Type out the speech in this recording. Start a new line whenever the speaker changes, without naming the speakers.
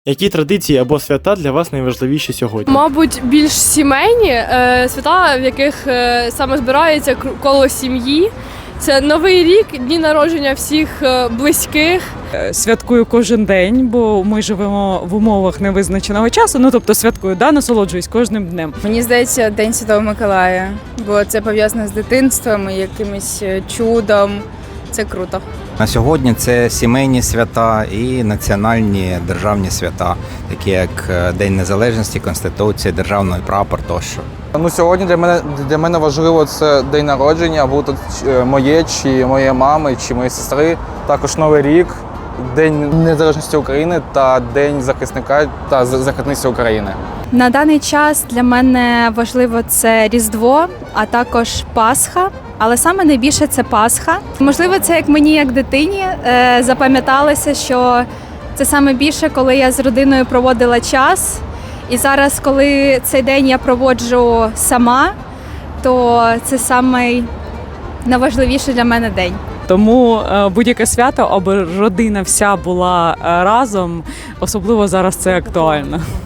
Які традиції або свята для вас найважливіші сьогодні?
Мабуть, більш сімейні свята, в яких саме збирається коло сім'ї. Це Новий рік, дні народження всіх близьких.
Святкую кожен день, бо ми живемо в умовах невизначеного часу. Ну, тобто святкую, насолоджуюсь кожним днем.
Мені здається, День Святого Миколая, бо це пов'язано з дитинством і якимось чудом. Це круто.
На сьогодні це сімейні свята і національні державні свята, такі як День Незалежності, Конституція, Державний прапор тощо.
Сьогодні для мене важливо це день народження, будь то моє, чи моєї мами, чи моєї сестри. Також Новий рік, День Незалежності України та День захисника та захисниці України.
На даний час для мене важливо це Різдво, а також Пасха. Але саме найбільше це Пасха. Можливо, це як мені, як дитині, запам'яталося, що це саме більше, коли я з родиною проводила час. І зараз, коли цей день я проводжу сама, то це самий найважливіший для мене день.
Тому будь-яке свято, аби родина вся була разом, особливо зараз це актуально.